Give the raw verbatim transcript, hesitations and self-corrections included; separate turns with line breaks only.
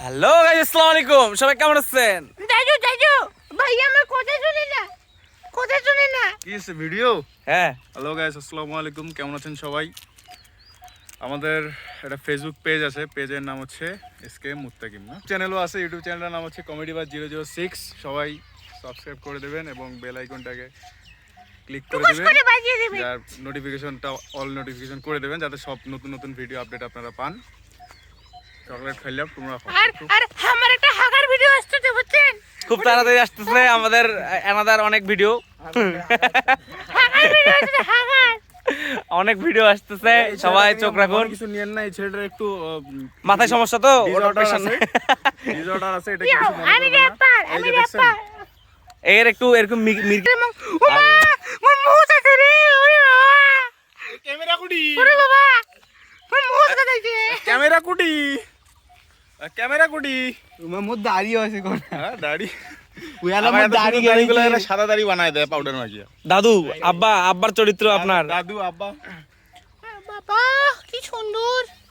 Hello guys, আসসালামু আলাইকুম। সবাই কেমন আছেন?
দাদু দাদু ভাই আমার কথা শুনে না, কথা শুনে না।
কি আছে ভিডিও?
হ্যাঁ,
হ্যালো গাইস, আসসালামু আলাইকুম। কেমন আছেন সবাই? আমাদের একটা ফেসবুক পেজ আছে, পেজের নাম হচ্ছে এসকে মুত্তাকিম না, চ্যানেলও আছে, ইউটিউব চ্যানেলের নাম হচ্ছে কমেডি বাজ জিরো জিরো সিক্স। সবাই সাবস্ক্রাইব করে দেবেন এবং বেল আইকনটাকে ক্লিক করে
টুকুস
দেবেন,
করে বাজিয়ে দিবি।
যার নোটিফিকেশনটা অল নোটিফিকেশন করে দেবেন, যাতে সব নতুন নতুন ভিডিও আপডেট আপনারা পান। চকলেট খাইলাম, তোমরা খাও।
আর আর আমার একটা হাগার ভিডিও আসছে বুঝছেন?
খুব তাড়াতাড়ি আসতেছে আমাদের অ্যানাদার অনেক ভিডিও।
হাগার ভিডিও আসছে, হাগার।
অনেক ভিডিও আসতেছে, সবাই চোখ রাখুন।
কিছু নিয়েন না, এই ছেলেটার একটু
মাথায় সমস্যা তো, ওর
ডিসঅর্ডার
অপারেশন
আছে, ডিসঅর্ডার আছে, এটা
ইয়ো,
কিছু মনে
আমি
করবেন না।
র্যাপার,
এই
আমি
যে দেখছেন,
র্যাপার।
এর একটু এরকম মির- মির-
ওমা মোর মুখ আছে রে, ওরে বাবা,
ক্যামেরা কুটি,
ওরে বাবা, মোর মুখ আছে।
ক্যামেরা কুটি, ক্যামেরা কুটি।
তোমার মধ্যে দাড়িও আছে কোন
হ্যাঁ, দাড়ি
উয়ালা
আমার
মধ্যে
এত
দাড়ি
সুন্দর দাড়িগুলো
গাড়ি
এরা সাদা দাড়ি বানায় দেয় পাউডার মাখিয়ে।
দাদু আব্বা আব্বার চরিত্র আপনার।
দাদু আব্বা
বাবা কি সুন্দর।